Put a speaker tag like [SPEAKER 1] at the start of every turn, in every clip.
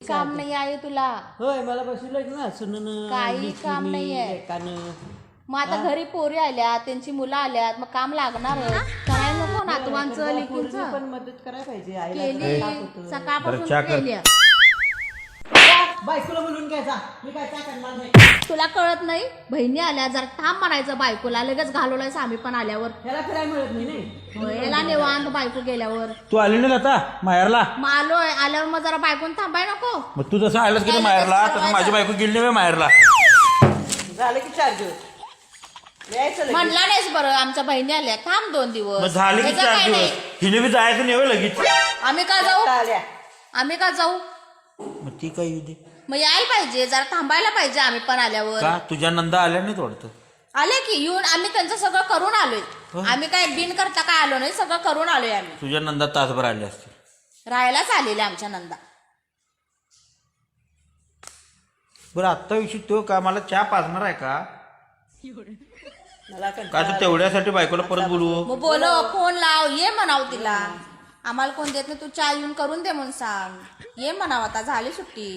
[SPEAKER 1] काम नाही आहे तुला.
[SPEAKER 2] होय मला बसवलं ना सुनन
[SPEAKER 1] काही काम नाहीये.
[SPEAKER 2] एकानं
[SPEAKER 1] मग आता घरी पोरी आल्यात, त्यांची मुलं आल्यात, मग काम लागणार करायला नको नातवांचं लेकींचं.
[SPEAKER 2] पण मदत करायला पाहिजे आईला.
[SPEAKER 1] केली सकाळपासून
[SPEAKER 3] चहा कर.
[SPEAKER 1] केली.
[SPEAKER 2] बायकोला बोलून घ्यायचा मी काय काय करणार नाही.
[SPEAKER 1] तुला कळत नाही, बहिणी आल्या जरा थांब म्हणायचं बायकोला, लगेच घालवलाय आम्ही पण आल्यावर.
[SPEAKER 2] ह्याला फिरायला मिळत नाही नाही.
[SPEAKER 1] याला निवांत बायको गेल्यावर.
[SPEAKER 3] तू आली नाही आता माहेरला.
[SPEAKER 1] मग आलोय, आल्यावर मग जरा बायकोन थांबाय नको.
[SPEAKER 3] मग तू जसं आलास की माहेरला तसं माझी बायको गेली नाही माहेरला.
[SPEAKER 2] झालं की 4 दिवस यायचं लगेच.
[SPEAKER 1] म्हणला नाहीस बरं, आमच्या बहिणी आल्या, थांब 2 दिवस.
[SPEAKER 3] मग झाले की
[SPEAKER 1] त्याचं
[SPEAKER 3] 4
[SPEAKER 1] काय
[SPEAKER 3] दिवस.
[SPEAKER 1] नाही.
[SPEAKER 3] हिने बी जायचं नाही होय लगेच.
[SPEAKER 1] आम्ही का जाऊ,
[SPEAKER 2] आल्या
[SPEAKER 1] आम्ही का जाऊ.
[SPEAKER 3] मग ती काय येऊ दे.
[SPEAKER 1] मग यायला पाहिजे, जरा थांबायला पाहिजे आम्ही पण आल्यावर.
[SPEAKER 3] का तुझ्या नंदा आल्या नाही वाटतं.
[SPEAKER 1] आले की येऊन आम्ही त्यांचं सगळं करून आलोय. आम्ही काय बिन करता काय आलो नाही, सगळं करून आलोय आम्ही.
[SPEAKER 3] तुझ्या नंदा तासभर आले असते.
[SPEAKER 1] राहायलाच आलेले आमच्या नंदा.
[SPEAKER 3] बरं आत्ता विषय तो का मला चहा पाजणार आहे का
[SPEAKER 2] मला
[SPEAKER 3] का तर तेवढ्यासाठी बायकोला परत बोलवू.
[SPEAKER 1] मग बोलव, फोन लाव, ये म्हणाव तिला. आम्हाला कोण देत नाही, तू चहा येऊन करून दे म्हणून सांग. ये म्हणाव, आता झाली सुट्टी.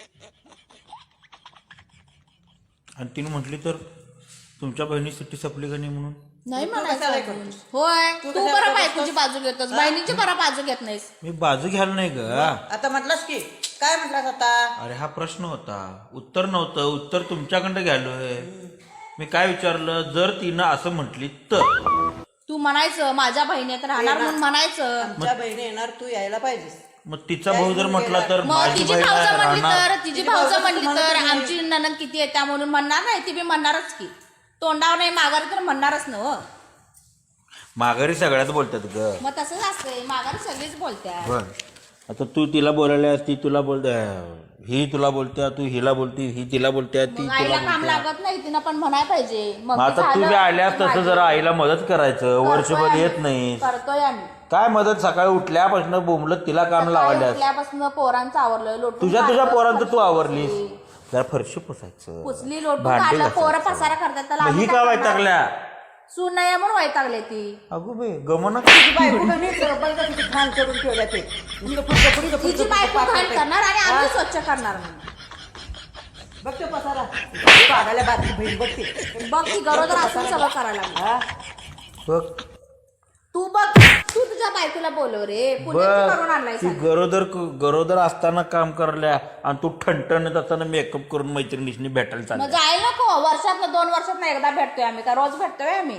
[SPEAKER 3] आणि तिने म्हटली तर तुमच्या बहिणी सुट्टी संपली का नाही म्हणून.
[SPEAKER 1] नाही
[SPEAKER 2] तू
[SPEAKER 1] म्हणायचं
[SPEAKER 2] कशाला
[SPEAKER 1] अजून.
[SPEAKER 2] करतोस?
[SPEAKER 1] होय,
[SPEAKER 2] तू
[SPEAKER 1] तू
[SPEAKER 2] कशाला
[SPEAKER 1] बरं
[SPEAKER 2] करतोस?
[SPEAKER 1] बायकोची बाजू घेतोस, बहिणीची बरं बाजू घेत नाहीस.
[SPEAKER 3] मी बाजू घ्यायला नाही ग.
[SPEAKER 2] आता म्हटलास की काय म्हटलास आता.
[SPEAKER 3] अरे हा प्रश्न होता, उत्तर नव्हतं. उत्तर तुमच्याकडे घ्यालोय. मी काय विचारलं, जर तिनं असं म्हटली तर
[SPEAKER 1] तू म्हणायचं माझ्या बहिणीत राहणार म्हणून म्हणायचं.
[SPEAKER 2] आमच्या बहिणी येणार तू यायला पाहिजेस.
[SPEAKER 3] मग तिचा भाऊ जर म्हटला तर
[SPEAKER 1] मग
[SPEAKER 3] माझी
[SPEAKER 1] तिची
[SPEAKER 3] बहीण
[SPEAKER 1] भाऊजं म्हणली
[SPEAKER 3] राहणार.
[SPEAKER 1] तर, तिची भाऊजं म्हणली तर आमची ननंद किती येत्या म्हणून म्हणणार नाही. ती बी म्हणणारच की, तोंडावर नाही माघारी तर म्हणणारच ना. हो,
[SPEAKER 3] माघारी सगळ्यात बोलतात ग.
[SPEAKER 1] मग तसंच असतंय, माघारी सगळीच बोलत्या.
[SPEAKER 3] बर आता तू तिला बोलायला ती तुला बोलते, ही तुला बोलत्या, तू हिला बोलती, ही तिला बोलत्या, ती
[SPEAKER 1] मग
[SPEAKER 3] तुला
[SPEAKER 1] आईला काम
[SPEAKER 3] बोलत्या.
[SPEAKER 1] लागत नाही, तिनं पण म्हणाय पाहिजे. मग
[SPEAKER 3] मग आता तू बी आल्यास तसं जरा आईला मदत करायचं. वर्षभर येत नाही
[SPEAKER 1] करतोय आम्ही.
[SPEAKER 3] काय मदत. सकाळी उठल्यापासून बोंबलत तिला काम लावायला.
[SPEAKER 1] उठल्यापासून पोरांचं आवरलं, लोटून
[SPEAKER 3] तुझ्या
[SPEAKER 1] काढलं,
[SPEAKER 3] पोरांचं तू
[SPEAKER 1] फरशी
[SPEAKER 3] आवरलीस.
[SPEAKER 1] पुसली.
[SPEAKER 3] जरा फरशी पुसायचं,
[SPEAKER 1] पुसली, लोटून
[SPEAKER 3] भांडी
[SPEAKER 1] काढलं, पोरं
[SPEAKER 3] घासायचं.
[SPEAKER 1] पसारा करतात, त्याला
[SPEAKER 3] मग
[SPEAKER 1] आम्ही
[SPEAKER 3] ही
[SPEAKER 1] काय
[SPEAKER 3] का
[SPEAKER 1] करणार?
[SPEAKER 3] वैतागल्या.
[SPEAKER 1] सून नाही म्हणून वैतागले ती.
[SPEAKER 3] अगो बे गमना.
[SPEAKER 2] बायको कमी सरपंच किती घाण करून ठेवल्या ते.
[SPEAKER 1] तिची बायको घाण करणार आणि आम्ही स्वच्छ करणार म्हणून.
[SPEAKER 2] बघ ते पसारा पागायला बारकी बहीण बघते.
[SPEAKER 1] बघ ती गरोदर असून सगळं करायला लागली.
[SPEAKER 2] हा
[SPEAKER 3] बघ
[SPEAKER 1] तू बघ, तू तुझ्या बायकोला बोलव रे. पुण्याचं करून आणलाय
[SPEAKER 3] ती गरोदर असताना काम करल्या आणि तू ठणठणत असताना मेकअप करून मैत्रिणीशी भेटायला
[SPEAKER 1] मग
[SPEAKER 3] चालल्या.
[SPEAKER 1] जायला नको. वर्षातनं 2 वर्षातनं एकदा भेटतोय आम्ही, का रोज भेटतोय आम्ही.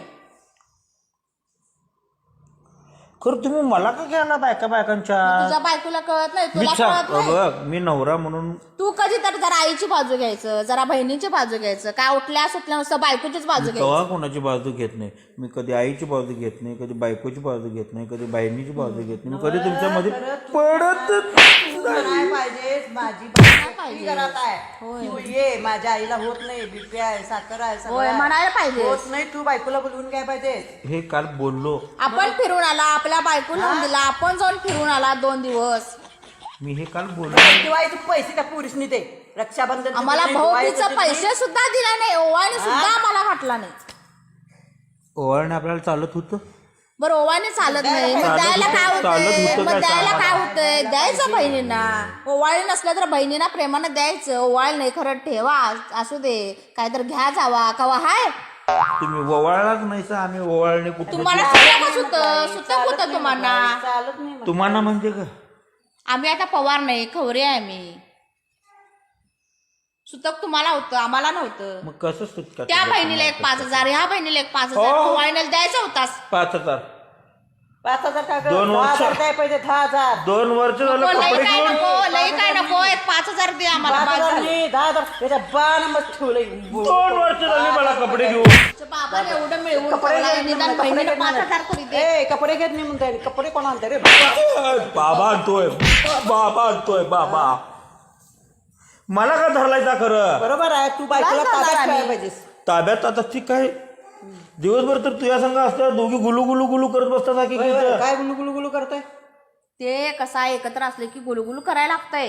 [SPEAKER 3] खरं तुम्ही मला का घ्यायला बायकांच्या.
[SPEAKER 1] तुझ्या बायकोला कळत नाही,
[SPEAKER 3] मी
[SPEAKER 1] तुला कळत नाही.
[SPEAKER 3] बघ मी नवरा म्हणून
[SPEAKER 1] तू कधी तर जरा आईची बाजू घ्यायचं, जरा बहिणीची बाजू घ्यायचं. काय उठल्या सुटल्या नुसतं बायकोचीच बाजू घ्यायची.
[SPEAKER 3] कवा कोणाची बाजू घेत नाही. मी कधी आईची बाजू घेत नाही, कधी बायकोची बाजू घेत नाही, कधी बहिणीची बाजू घेत नाही. मी कधी तुमच्यामध्ये पडत
[SPEAKER 2] नाही पाहिजे. माझी बहीण घरात आहे. तू ये. माझ्या आईला होत नाही, बीपी आहे, साखर आहे, सगळं
[SPEAKER 1] होय,
[SPEAKER 2] आहे.
[SPEAKER 1] म्हणायला पाहिजे.
[SPEAKER 2] होत नाही. तू बायकोला बोलवून काय पाहिजे.
[SPEAKER 3] हे काल बोललो
[SPEAKER 1] आपण फिरून आला, आपल्या बायको लावून दिला, आपण जाऊन फिरून आला 2 दिवस.
[SPEAKER 3] मी हे काल बोललो.
[SPEAKER 2] दिवाळीचे पैसे त्या पुरुषनी दे. रक्षाबंधन
[SPEAKER 1] आम्हाला भाऊबीचं पैसे सुद्धा दिला नाही, ओवाळणी सुद्धा आम्हाला घातला नाही.
[SPEAKER 3] ओवाळणे आपल्याला चालत होतं.
[SPEAKER 1] बरं ओवाळणी चालत नाही, मग
[SPEAKER 3] चालत
[SPEAKER 1] द्यायला काय
[SPEAKER 3] होतं, चालत
[SPEAKER 1] होतंय.
[SPEAKER 3] होतं
[SPEAKER 1] मग
[SPEAKER 3] काय
[SPEAKER 1] द्यायला
[SPEAKER 3] सांगा.
[SPEAKER 1] काय होतंय, द्यायचं बहिणींना. ओवाळी नसलं तर बहिणींना प्रेमानं द्यायचं. ओवाळ नाही खरं ठेवा, असू दे, काय तर घ्या जावा कवा हाय.
[SPEAKER 3] तुम्ही ओवाळलाच नाही सा. आम्ही ओवाळणे कुठे
[SPEAKER 1] तुम्हाला सुतकच होतं, सुतक होतं तुम्हाला.
[SPEAKER 2] चालत नाही.
[SPEAKER 3] तुम्हाला म्हणजे का.
[SPEAKER 1] आम्ही आता पवार नाही, खवरे आहे आम्ही. सुतक तुम्हाला होतं, आम्हाला नव्हतं.
[SPEAKER 3] मग कसं सुटका.
[SPEAKER 1] त्या बहिणीला एक 5,000, ह्या बहिणीला एक 5,000
[SPEAKER 3] हो.
[SPEAKER 1] ओवाळीला द्यायचा होतास.
[SPEAKER 3] 5,000
[SPEAKER 2] 5,000 टाका.
[SPEAKER 3] 2 वर्ष.
[SPEAKER 2] 10,000 द्याय पाहिजे. 10,000
[SPEAKER 3] 2 वर्ष झालं
[SPEAKER 1] लई
[SPEAKER 3] कपडे
[SPEAKER 1] काय
[SPEAKER 3] घेऊन.
[SPEAKER 1] नको, लई काय नको, एक 5,000 दे आम्हाला.
[SPEAKER 2] 5,000 नाही, 10,000 त्याच्या बाण ठेवलंय.
[SPEAKER 3] 2 वर्ष झाली मला कपडे घेऊन.
[SPEAKER 1] बाबाला एवढं मिळवून
[SPEAKER 2] कपडे
[SPEAKER 1] ठेवलंय,
[SPEAKER 2] घेत
[SPEAKER 1] निदान
[SPEAKER 2] नाही,
[SPEAKER 1] बहिणीला
[SPEAKER 2] कपडे
[SPEAKER 1] 5,000 तरी दे.
[SPEAKER 2] ए, कपडे घेत नाही म्हणताय. कपडे कोण आणते रे.
[SPEAKER 3] बाबा आणतोय, बाबा आणतोय, बाबा. मला का धरलायचा खरं.
[SPEAKER 2] बरोबर आहे. तू बायकोला
[SPEAKER 1] काय
[SPEAKER 2] ताब्यात
[SPEAKER 1] करणार
[SPEAKER 2] ठेवायला पाहिजेस.
[SPEAKER 3] ताब्यात आता ती काय दिवसभर तर तुझ्या संघ असतात. दोघी गुलू गुलू गुलू करत बसतात. की
[SPEAKER 2] होय, होय. काय गुलू गुलू गुलू करताय.
[SPEAKER 1] ते कसा एकत्र असले की गुलगुल करायला लागतंय.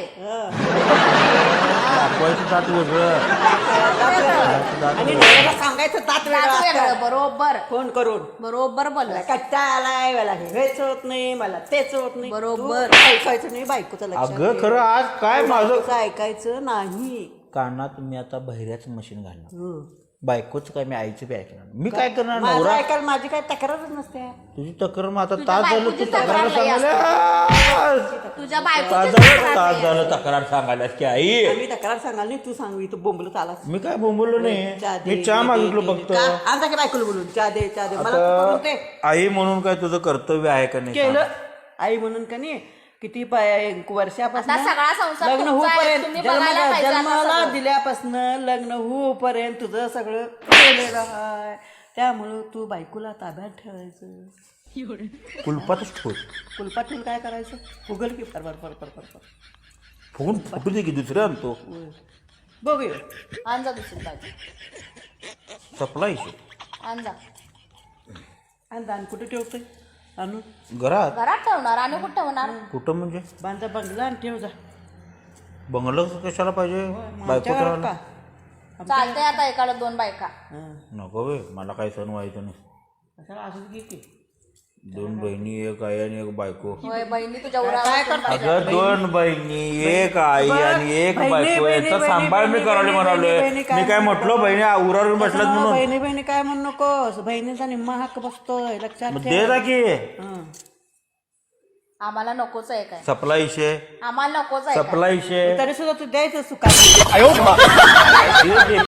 [SPEAKER 3] दाखवायचं दात वेगळं.
[SPEAKER 2] आणि नवऱ्याला सांगायचं दात वेगळं
[SPEAKER 1] दात वेगळं,
[SPEAKER 2] असतं.
[SPEAKER 1] बरोबर
[SPEAKER 2] फोन करून
[SPEAKER 1] बरोबर बोलला.
[SPEAKER 2] कंटाळा आलाय, मला हेच होत नाही, मला तेच होत नाही.
[SPEAKER 1] बरोबर.
[SPEAKER 2] तू ऐकायचं नाही बायकोचं लक्षात
[SPEAKER 3] अगं
[SPEAKER 2] ठेव.
[SPEAKER 3] खरं आज काय माझं
[SPEAKER 2] बायकोचं ऐकायचं नाही.
[SPEAKER 3] कानात मी आता बहिऱ्याचं मशीन घालणार. बायकोच काय मी आईचं बी ऐकणार. मी काय करणार?
[SPEAKER 2] माझं
[SPEAKER 3] नवरा
[SPEAKER 2] ऐकायला माझी काही तक्रारच नसते.
[SPEAKER 3] तुझी तक्रार मग आता
[SPEAKER 1] तुझ्या
[SPEAKER 3] तास झालं तू
[SPEAKER 1] बायकोची
[SPEAKER 3] तक्रार
[SPEAKER 1] तक्रार लई
[SPEAKER 3] सांगायला.
[SPEAKER 1] तुझ्या
[SPEAKER 3] तास
[SPEAKER 1] बायकोची
[SPEAKER 3] झालं तक्रार सांगायला की आई
[SPEAKER 2] आम्ही तक्रार सांगाल नाही, तू सांगू तू बोंबलत आलास.
[SPEAKER 3] मी काय बोंबलो नाही.
[SPEAKER 2] चहा दे,
[SPEAKER 3] मी चहा
[SPEAKER 2] दे,
[SPEAKER 3] मागितलो
[SPEAKER 2] दे,
[SPEAKER 3] फक्त.
[SPEAKER 2] दे. का? आमचा की बायकोला बोलून चहा दे चहा दे, मला तू करून दे.
[SPEAKER 3] आता आई म्हणून काय तुझं कर्तव्य आहे का नाही?
[SPEAKER 2] केलं आई म्हणून का नाही किती वर्षापासून
[SPEAKER 1] आता सगळा संसार
[SPEAKER 2] लग्न
[SPEAKER 1] तुमचा आहे,
[SPEAKER 2] होऊपर्यंत
[SPEAKER 1] तुम्ही बघायला पाहिजे आता
[SPEAKER 2] जन्माला
[SPEAKER 1] सगळं.
[SPEAKER 2] दिल्यापासून लग्न होऊपर्यंत तुझं सगळं केलेलं आहे. त्यामुळं तू बायकोला ताब्यात ठेवायचं.
[SPEAKER 3] कुलपातच ठेव.
[SPEAKER 2] कुलपात ठेवून काय करायचं? फुगल की फर फर फर फर फर.
[SPEAKER 3] फुगून फुटू दे की दुसरं आणतो.
[SPEAKER 2] बघूया.
[SPEAKER 1] आणजा दुसरी बाजू,
[SPEAKER 3] सपला इशू
[SPEAKER 1] आणजा.
[SPEAKER 2] आणि दान कुठे ठेवतोय? आणू
[SPEAKER 3] घरात.
[SPEAKER 1] घरात ठेवणार आणि कुठं ठेवणार?
[SPEAKER 3] कुठं म्हणजे
[SPEAKER 2] बांधा बंगला आणि ठेव जा.
[SPEAKER 3] बंगलं कशाला पाहिजे? बायको
[SPEAKER 2] आमच्या घरात
[SPEAKER 3] ठेवायला
[SPEAKER 2] का?
[SPEAKER 1] चालतंय आता एकाला 2 बायका.
[SPEAKER 2] हं.
[SPEAKER 3] नको बे, मला काही सण व्हायचं नाही.
[SPEAKER 2] कशाला असंच घे की.
[SPEAKER 3] 2 बहिणी, एक आई आणि एक बायको.
[SPEAKER 1] होय बहिणी तुझ्या
[SPEAKER 2] काय
[SPEAKER 1] उरावर
[SPEAKER 2] करता?
[SPEAKER 3] अगं 2 बहिणी, एक आई आणि एक
[SPEAKER 2] बहिणी,
[SPEAKER 3] बायको
[SPEAKER 2] बहिणी,
[SPEAKER 3] याचा
[SPEAKER 2] बहिणी,
[SPEAKER 3] सांभाळ मी
[SPEAKER 2] बहिणी,
[SPEAKER 3] करायला
[SPEAKER 2] बहिणी,
[SPEAKER 3] म्हणालोय.
[SPEAKER 2] बहिणी, काय
[SPEAKER 3] मी काय म्हटलो बहिणी उरावर बसल्यात म्हणून?
[SPEAKER 2] बहिणी बहिणी काय म्हणू नकोस. बहिणीचा निम्मा हक्क बसतोय, लक्षात
[SPEAKER 3] मग
[SPEAKER 2] ठेव.
[SPEAKER 3] दे जा की.
[SPEAKER 2] हं.
[SPEAKER 1] आम्हाला नकोच आहे काय,
[SPEAKER 3] सपला विषय,
[SPEAKER 1] आम्हाला नकोच आहे काय.
[SPEAKER 3] सपला विषय.
[SPEAKER 2] तरी सुद्धा तू द्यायचं सुखात.